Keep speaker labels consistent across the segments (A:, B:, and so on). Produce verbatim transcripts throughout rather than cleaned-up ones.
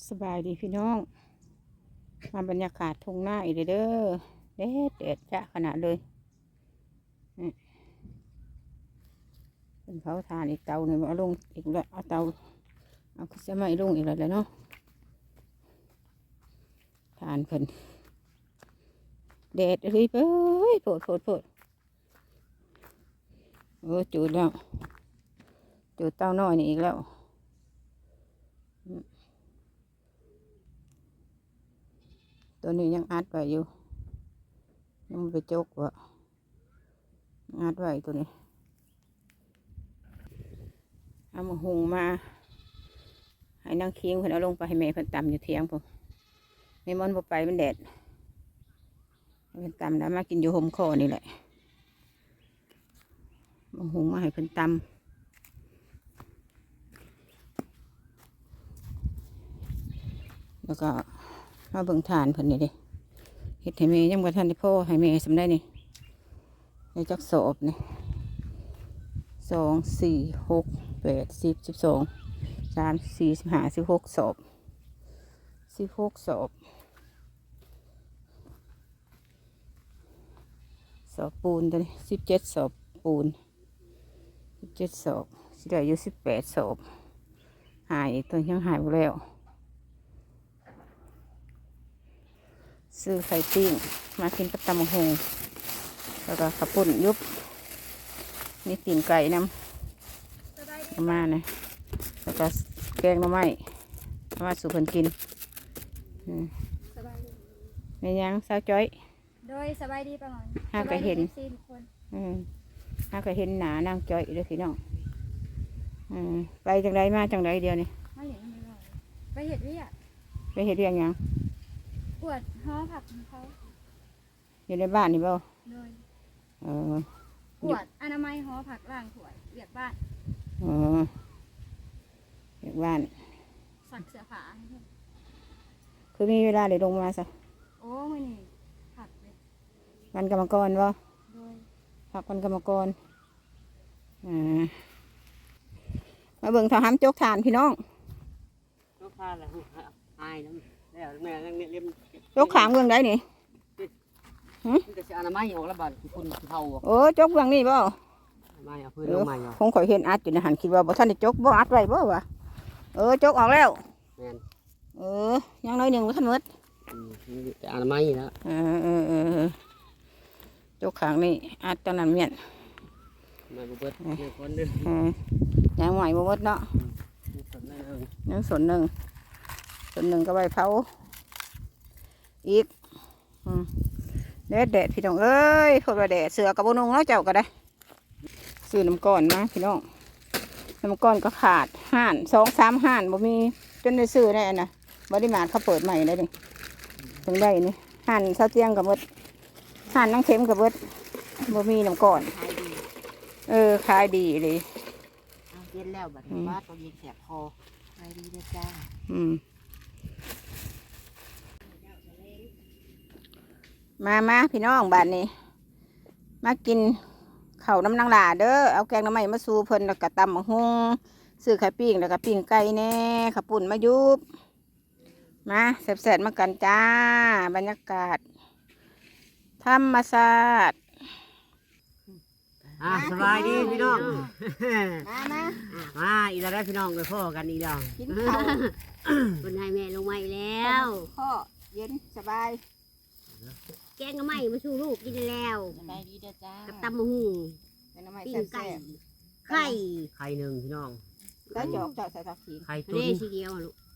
A: สบายดีพี่น้องมาบรรยากาศทุ่งนาอีกเด้อเด็ดเด็ดจะขนาดเลยเป็นเผาถ่านอีกเตาหนึ่งเอาลงอีกแล้วเอาเตาเอาขึ้นจะไม่ลงอีกแล้วเนาะทานเพิ่นเด็ดเลยเอ้ยโผดโผดโผดเออจุดแล้วจุดเตาน้อยนี่อีกแล้วตัวนี้ยังอัดไว้อยู่ยังไม่ไปจกวะอัดไว้ตัวนี้เอามาหุงมาให้นางเคียงเพิ่นเอาลงไปให้แม่เพิ่นตำอยู่เทียงผมแม่มอนบ่ไปมันแดดเพิ่นตำแล้วมากินอยู่ห่มคอนี่แหละมาหุงมาให้เพิ่นตำแล้วก็มาเบิ่งทานเพิ่นนี่ดิเฮ็ดให้แม่ยังบ่ทันได้พ่อให้แม่สำได้นี่ในจักสอบนี่สองสี่หกแปดสิบสิบสองสามสี่สิบห้าสิบหกสอบสิบหกสอบสอบปูนตัวนี้สิบเจ็ดสอบปูนสิบเจ็ดสอบสิได้อยู่สิบแปดสอบหายตัวยังหายไปแล้วซื้อไข่ปิ้งมากินกับตำบักหุ่งแล้วก็ข้าวปุ้นยุบนี่ตีนไก่น้ำประมาณนะแล้วก็แกงหน่อไม้มาสู่คนกินในยังสาวจ้อย
B: โดยสบายดีประมาณ
A: ห้าก็เห็นห้าก็เห็นหนานางจ้อยด้วยพี่น้องไปจังไรมาจังไรเดียวนี่
B: ไปเห็ดเรียก
A: ไปเห็ดเรียงยัง
B: ปวดห้อผักของเขา
A: อยู่ในบ้านนี่เปล่า
B: โดย
A: เออ
B: ปวดอนามัยห้อผักล่างถวยเรียกบ้าน
A: อ๋อเรียกบ้าน
B: สักเสื้อผ้า
A: คือมีเวลาเลยลงมาซะ
B: โอ้ไม่นี่ผักเลย
A: วันกรรมกรเปล่า
B: โดย
A: ผักวันกรรมกรอ่ามาเบิ่งทหารโจกฐานพี่น้อง
C: โจกฐานอะไรอายน้ำแล้วแม่ยังเนี่ยเลี้ยง
A: โจกขางเมืองได้นี่
C: มันจะเสียอนามัยออกแล้วบ้านคุณเท่า
A: โอ้โจกเมืองนี่เปล่า
C: ไม่เอาพื้นลงมาอยู่
A: คงข่อยเห็นอัดอยู่ในหันคิดว่าบ่ท่านได้โจกบ่อัดไว้บ่วะเออโจกออกแล้วเออยังน้อยหนึ่งบ่ท่านมด
C: แต่อนามัยนะ
A: เออเออเออโจกขางนี่อัดตอนนั้นเมียน
C: ไม่บ่เบิดเดี๋ยวคนนึง
A: ยังใหม่บ่เบิดเนาะยังส่วนหนึ่งส่วนหนึ่งก็ใบเผาอีกเด็ดเด็ดพี่น้องเอ้ยพวกเราเด็ดเสือกับโบนงเนาะเจ้าก็ได้ซื้อน้ำก้อนมาพี่น้องน้ำก้อนก็ขาดห่านสองสามห่านบ่มีจนได้ซื้อได้นะบริมาเขาเปิดใหม่เลยนี่ถึงได้นี่ห่านเสาเตียงกับเบิดห่านน้ำเค็มกับเบิดบ่มีน้ำก้อนเออขายดีเลย
C: เย็นแล้วบัดนี้ว่าตัวเย็นแสบคอขายดีนะจ้า
A: อืมมามาพี่น้องบ้านนี้มากินข้าวน้ำนางหลาเด้อเอาแกงน้ำใหม่มาสู่เพิ่นแล้วก็ตำมะฮุ่งซื้อไข่ปิ้งแล้วก็ปิ้งไก่แน่ข้าวปุ่นมายุบมาแซ่บๆมากันจ้าบรรยากาศธรรมศาสตร์
C: อ่าสบายดีพี่น้อง
A: มามา
C: มาอีกแล้วพี่น้องไปพ่อกันอีกแล้ว
A: กินข้าว
B: คนให้แม่ลงมาแล้ว
A: พ่อเย็นสบาย
B: แกงก็ไม่มาชูลูกกินแล้ว
A: สบายดีเด้อจ้า
B: กับตำมะฮูปิ้งไก่ไข่
C: ไข่หนึ่งพี่น้อง
A: แล้วจอกจอกใส่ผักชี
C: ไข่
B: ตุ๋นทีเดียวลูก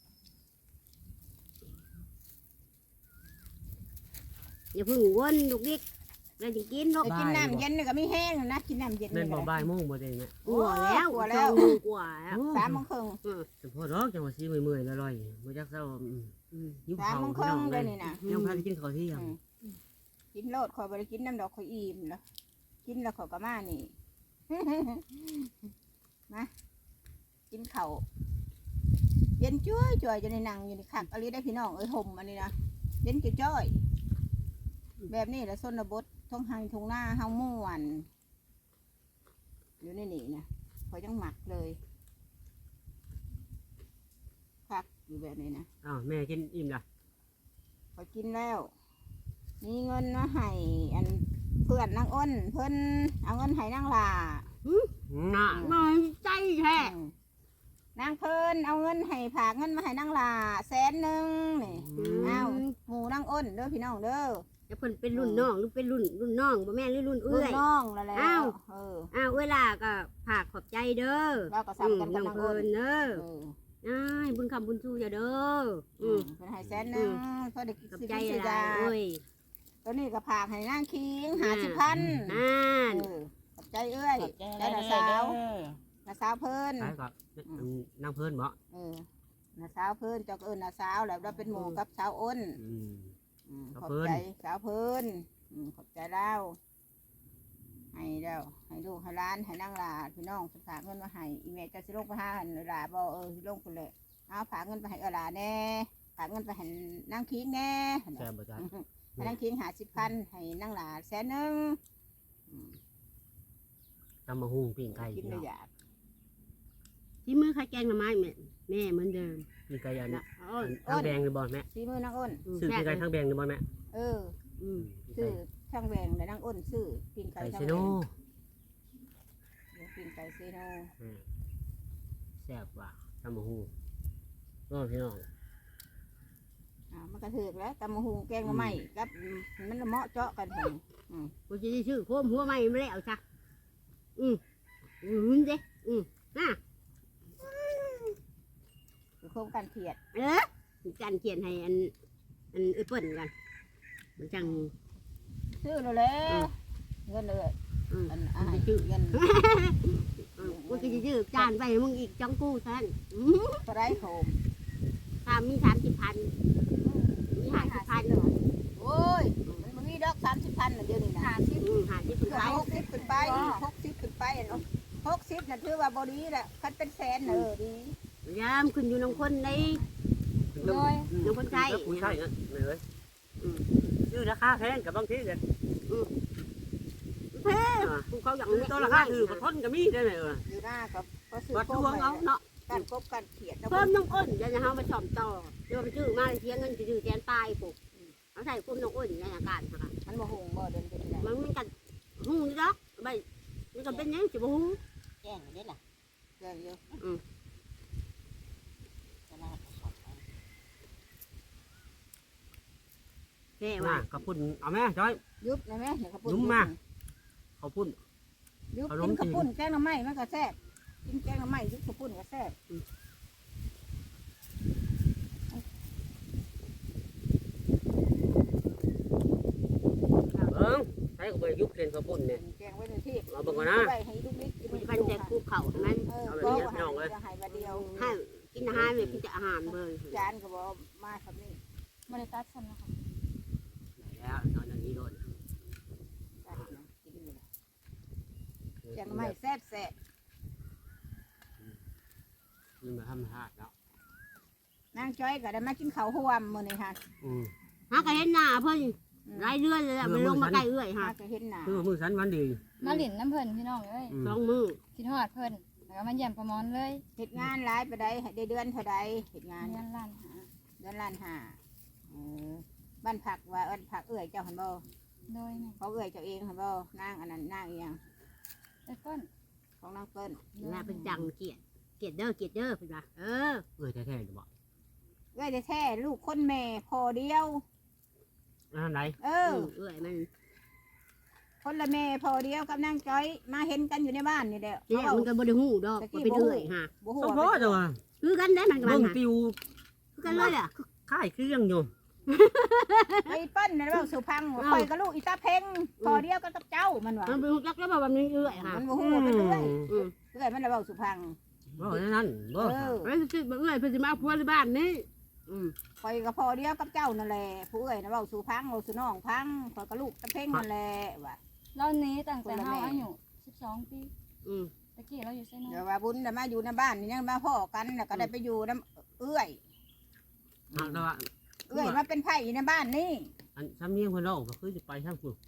B: อย่าพึ่งวนลูกดิ๊กเราจะกินลูก
A: กินน้ำเย็นนี่ก็ไม่แห้งนะกินน้ำเย็น
C: นี่บ่บ่ายโมงบ่ได้เนี่ย
B: กลัวแล้ว
A: กลัวแล้ว
B: กลัว
A: สามโมงครึ่ง
C: เฉพาะร้องจังหวะซีเมื่อยๆอร่อยบ่จักเศร้า
A: ยิ้มเผาพี่น้องเลยนี่นะ
C: ยังพาไปกินข้าวเที่ยง
A: กินโลดคอยบริกินน้ำดอกคอยอิ่มแล้วกินแล้วเขาก็มานี่มากินเข่าเย็นจ้อยจ้อยจะในนังอยู่ในขักอะไรได้พี่น้องเอ้ยห่มอันนี้นะเย็นจ้อยแบบนี้แหละส้นบดท้องหังท้องหน้าเฮาม่วนอยู่ในนี่นะคอยจังหมักเลยผักอยู่แบบนี้นะ
D: อ้าวแม่กินอิ่มละ
A: พอกินแล้ว มีเงินมาให้อันเพื่อนนางอ้นเพิ่นเอาเงินให้นางลา
D: น่ะ
B: น้อยใจแท้
A: อืมนางเพิ่นเอาเงินให้ฝากเงินมาให้นางลาแสนหนึ่งนี่เอาหมู่นางอ้นเด้อพี่น้องเด้อ
B: จะเพิ่นเป็นรุ่นน้องหรือเป็นรุ่นรุ่นน้องบ่แม่นหรือรุ่น
A: ลู
B: เอื้
A: ก
B: อย
A: น้องแล้วแหล้ว
B: อ้าว
A: เออ
B: อ้าวเวลาก็ฝากขอบใจเด้อ
A: เราก็ซ้ำกันกับ
B: น้อง
A: นางอ้
B: เพิ่
A: น
B: นเด้อ
A: เออ
B: อ้ายบุญคำบุญชูอย่าเด้อ
A: อื
B: อื
A: ม
B: ม
A: เป็นให้แสนหนึ่งเพื่อได้กิน
B: ขอบ
A: สิบ
B: ใจ
A: สิ
B: หลาย
A: ยา
B: โอ้ย
A: ตัวนี้ก็ผากให้นางคิงหาสิบพัน
B: อ่าน
A: เออขอบใจเอ้ย
C: ขอบใจ
A: ได้
C: หลา
A: ละ
C: ย
A: สา
C: ๆเด้
A: ว
C: อ
A: ละสาวเพิ่น
D: ใช่ครับนั่งเพิ่นบ่
A: เออละสาวเพิ่นเจ้าก็เอิ้นละสาวแล้วเราเป็นหมู่กับสาวอ้น
D: อืม
A: อืมข
D: สาว
A: อบ
D: เพิ่น
A: ใจสาวเพิ่นอืมขอบใจแล้วให้แล้วให้ลูกให้ร้านให้นางลาพี่น้องเพิ่นฝากเงินมาให้อีเมลจะสิลงไปหาหันหลาบ่เออสิลงพุ่นแหละเอาฝากเงินไปให้เออหลาแน่ฝากเงินไปให้นางคิงแน่
D: แซ่บบ่จ๊ะ
A: ให้นางคิงหาสิบพันให้นางหลาแสนหนึ่งอืม
D: ตำมะฮุ่งปิ้งไก่
A: กิน
D: พี่
A: เล
D: น้อย ง
A: อยาก
B: ที่มือใครแกงหน่อไม้แม่แม่เหมือนเดิม
D: ปิ้งไก่อันน่ะ
B: โอ้ย
D: ทั้งแบงหรือบ่แม่
A: ซีมือนางอ้น
D: ซื้อปิ้งไก่ทั้งแบงหรือบ่แม่
A: เออ
B: อืม
A: ซื้อช่างแหวงและนางอ้นซื้อปิ้งไก่
D: ไก่
A: ช่า
D: เซ
A: งแหว
D: โน
A: งเดี๋ยวปิ้งไก่เซโน
D: อืมแซ่บว่ะตำมะฮุ่งโอ้พี่น้อง
A: อ่ามันกระเถือกแล้วตำมะฮุงแกงมาใหม่กับมันเหมาะเจาะกันเห็น
B: กูจะได้ชื่อโคมหัวใหม่ไม่แล้วจ้ะอืมอืมเด้อืมน่ะ
A: คือโครงการเขียด
B: เออจันเขียนให้อันอันเอ้ยเปิ้นกันมันจัง
A: ซื้อแล้วแหละเงินเลย
B: อืม
A: อันอาหารชื่อเงิน
B: อืมกูจะชื่อจานไปให้มึงอีกจังกูท่านอืม
A: ก็ได้โคม
B: ถ้ามีสามสิบพันมีห้าสิบพัน
A: โอ้ยมันบ่มีดอกสามสิบพันน่ะเดี๋ยวนี้นะ
B: อืมห้าสิบ
A: เกือบ
B: พัน
A: หกสิบขึ้นไปหกสิบขึ้นไปเนาะหกสิบน่ะถือว่าบ่ดีแหละคันเป็นแสนน่ะเออดี
B: ยามขึ้นอยู่น้องคนใน
A: โดย
B: น้องคนไทย
D: คุยใช่เงี้ยเลยซื้อราคาแพงกับบางทีเนี่ย
B: เพ่กูเขาอยาก
D: ซื้อตัวราคาถือกับทนก็มีได้ไหมเออ
A: อยู่หน้ากับก็ซื้อ
D: วัด
A: โค
D: ด
A: ม
D: วง
A: ไป
D: เอาเนาะ
A: การกบการเขียด
B: เพิ่มน้องอ้นเดี๋ยวจะเอามาชอมต่อเดี๋ยวไปชื่อมาเสียเงินจะชื่อแทนตายปุ๊บเอาใส่กุ้มน้องอ้นในอาการค่ะ
A: มันบ่หงบ่เดินเป็นไร
B: มันมันกันหูนี่ดอกใบมันก็เป็นยังสิบ่หู
C: แจ้งได้ล่ะ
A: เดินเยอะ
C: จะลาไปสอบไป
B: แค่
D: มา
B: ว่า
D: ขอบคุณเอาแม่จ้อย
A: ยุบนะแม่เดี๋ยวเขาพูด
D: ยุบมา ขอบคุณ
A: ยุบ
D: เอาล
A: กิ
D: ง
A: นข้าว
D: จริง
A: ปุ้นแกงหน่อไม้มันก็แซ่บกินแกงหน่อไม้ยุบข้าวปุ้นก็แซ่บ
D: เบิ้งใช้กับใบยุบเรียนขอบคุณเนี่ย
A: แกงไว้ในที่
D: เอาเบิ่งก่อนนะ
A: ไว้ให้ลูกนิดกิน
B: มันพันแต่กูเข่าให้มัน
A: เออ
D: เอาแบบ
A: ก็
D: นี้
A: ว่า
D: พี่น้องเอ้ย
A: จะให้บาเดียว
B: ให้กินอาหารเลยกินแต่อาหารเบย
A: จานก็บอกมาครับนี่
C: บริษัทฉันนะคะ
D: แล้วนอนอย่างนี้โดน
A: จานนะกินอยู่นะแกงหน่อไม้แซ่บแซ่บ
D: มันมาทำหาดแล้ว
A: นางจ้อยก็ได้มากินข้าวห่วมมื้อนี้ค่ะ
D: อืม
B: หาก็เห็นหน้าเพิ่นรายเดือนเลยมันลงมาใกล้เอื้อย
A: หา
B: ฮะ
A: ก็เห็นหน้า
D: คือมือสันวันดี
E: มาหลินน้ำเพิ่นพี่น้องเอ้ย
D: อืม
B: สองมือ
E: คิดฮอดเพิ่นแล้วก็มาเยี่ยมประมอนเลย
A: เฮ็ดงานหลายไปได้ให้ได้เดือนเท่าใดเฮ็ดงาน
E: เงินล้านหา
A: เดือนล้านห้าเออบ้านผักว่าบ้านผักเอื้อยเจ้าหันบ่
E: โดยแม่
A: เขาเอื้อยเจ้าเองหันบ่นางอันนั้นนางอีหยัง
E: ไอ้เพิ่น
A: ของนางเปิ้น
B: แล้วเป็นจังเกียดเกียดเด้อเกียดเด้อเพิ่นว่าเออ
D: เออแท้ๆหรือเปล่า
A: เอื้อยแท้ๆลูกคนแม่พอเดียว
D: อันไหน
A: เอ
B: เอ
A: อ
B: อเอื้อยมัน
A: คนละแม่พอเดียวกับนางจ้อยมาเห็นกันอยู่ในบ้านนี่แหละ
B: นี่
A: เขา
B: มันก็บ่ได้ฮู้ดอกว่าเป็นเอื้อยฮะ
A: บ่ฮู้
D: สม
A: ว่า
D: พอ
A: เป็น
D: จังวะ
B: คือกันได้มันกับ
D: เบิ่
B: มัน
D: ง
B: ฮะ
D: ปิว
B: คือกันเลยอ่ะ
D: ค่ายเครื่องอยู่
A: ไอ้เปิ้นน่ะเว้าสุพังว่าข่อยกับลูกอีตาเพ่งพอเดียวกันกับเจ้ามันว่า
B: มันเป็นฮู้จักแล้วว่ามันเอื้อยฮะ
A: มันบ่ฮู้ว่าเป็นเอื้อย
B: อืม
A: เอื้อยมันน่ะเว้าสุพัง
D: บ่นั่นบ่
A: เออ
B: แล้วสิบ่เอื้อยเพิ่นสิมาเอาผัวในบ้านนี้อืม
A: ข่อยก็พอเดียวกับเจ้านั่นแหละผู้เอื้อยน่ะเว้าสุพังเว้าสุน้องพังข่อยกับลูกตาเพ่งนั่นแหละว่า
E: เราหนี้ตั้งแต่
A: คนละ
E: เฮา
A: แม่
E: อายุสิบสองปี
B: อืม
E: ตะกี้เราอยู่ไสโน
A: เดี๋ยวว่าบุญน่ะมาอยู่ในบ้านนี่ยังมาพ่อกันน่ะก็ได้ไปอยู่น้ำเอื้อย
D: หากแต่ว่า
A: เอื้อยมาเป็นไผ่ในบ้านนี่
D: อันซ้ำเนียงเพิ่นเล่าก็คือจะไปทางพุ่น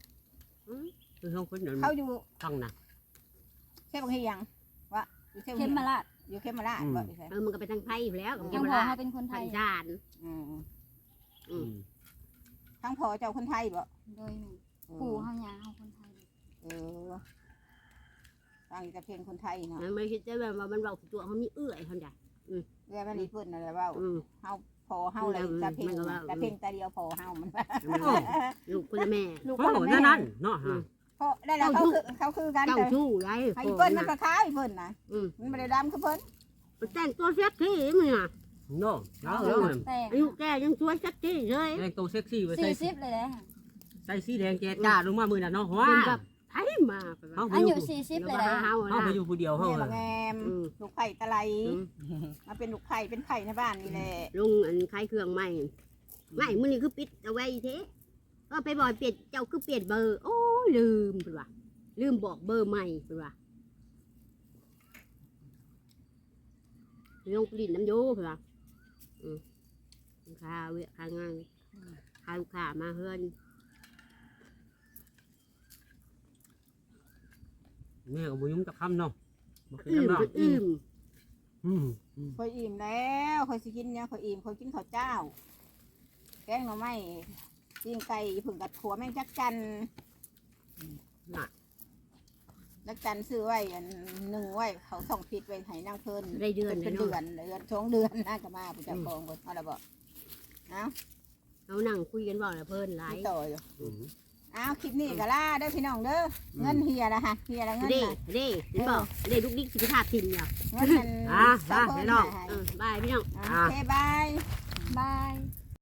D: คือทางพุ่นนั่น
A: เขาอยู่
D: ทางน่ะ
A: เช่บางทียังวะอยู่เช่บาง
E: เข็
A: ที
E: มมาลาด
A: อยู่เข้มมาละบ่อีก
B: เออมันก็ไปทางไทยอยู่แล้ว
E: ยังพอเขาเป็นคนไท
B: ไท
E: ย
B: ยจาน
A: อืม
B: อืม
A: ทั้งพอเจ้าคนไทยบ่
E: โดยแม่ปู่เฮาหยาเฮาคนไทย
A: เออฟังแต่เพลงคนไทยเนาะ
B: มันไม่คิดจะแบบว่ามันเบาตัวเขามีเอื้อยเขาจ้ะ
A: เรื่องมันรีเพิ่นอะไรเว้า
B: อืม
A: เฮาพอเฮาเลยแต่เพลงแต่เพลงแต่เดียวพอเฮามัน
B: ลูกคนละแม่
A: ลูก
D: โอ้
A: คน
D: นั่น
A: แม่
D: นั่นเนาะฮะ
A: เพราะได้แล้วเขาคือเขาคือกัน
B: เจ้า
A: แต่
B: ชู้ไร
A: ไอ้เพิ่นมันก็คล้ายเพิ่นนะ
B: อืม
A: มันไม่ได้ดำคือเพิ่น
B: มันแต่งตัวเซ็กซี่มึงอ่ะ
D: เนาะแล้ว
E: เอ
D: แล้ว
E: อ
D: มัน
E: แต่
B: อายุแกยังสวยเซ็กซี่เลย
D: แต่งตัวเซ็กซี่ไปใส่
E: สี่สิบเลยแหละ
D: ใส่สีแดงแจ๊ดจ้าลงมามือน่ะเนาะว้า
B: เป็นแบบไทยมา
D: เฮาไป
E: อา
D: อ
E: ยุ
D: ยู่
E: สี่สิบ
B: แล้
E: เล
B: วย
E: แหละ
B: เฮา
D: เฮา
B: นะ
D: ไปอยู่ผู้เดียวเฮา
A: แม่
D: อะ
A: ละแงมลูกไผ่ตะไลมาเป็นลูกไผ่เป็นไผ่ในบ้านนี่แหละ
B: ลุงอันคล้ายเครื่องใหม่ไม่มือนี่คือปิดเอาไว้เทก็ไปบอกเปลี่ยนเจ้าคือเปลี่ยนเบอร์โอ้ลืมเป็นว่าลืมบอกเบอร์ใหม่เป็นว่าลงปลิ้นน้ำโยเป็นว่าอืมข้าวเวะข้างานข้าวลูกค้ามาเฮือน
D: แม่ก็บ่ยุ่งจักคำเนาะบ่คือ
B: อืม
D: น้ำเนาะ
B: อืม
D: อืม
A: คอยอิ่มแล้วคอยสิกินเนี่ยคอยอิ่มคอยกินข้าวเจ้า แกงหน่อไม้ปิ้งไก่ผึ่งกับถั่วแมงจักจันจักจันซื้อไว้อันหนึ่งไว้เขาส่งผิดไว้ให้นางเพิ่น
B: ได้เดือน
A: เป็น
B: เลย
A: เดือ
B: เนาะ
A: นเดือนสองเดือนน่าจะมาผู้จัดกองคนเอาละบ่เอา
B: เรานั่งคุยกันบอกเลยเพิ่นหลาย
A: ต่ออยู่
D: อืม
A: เอาคลิปนี้ก็ล่าเด้อพี่น้องเด้อเงินเฮียละฮะเฮียละเงิน
B: เด้
A: น่ะ
B: เด้เห็นบอกเด้ลูกดิ๊กสิบห้าทิมเนี่ย
A: เงินมัน
D: อ่ะ
A: สาว
D: อ่ะ
A: เพิ่
D: พี่
A: น
D: น้อง
A: ให้
B: เออบายพี่น้อง
A: โอเคบาย
E: บาย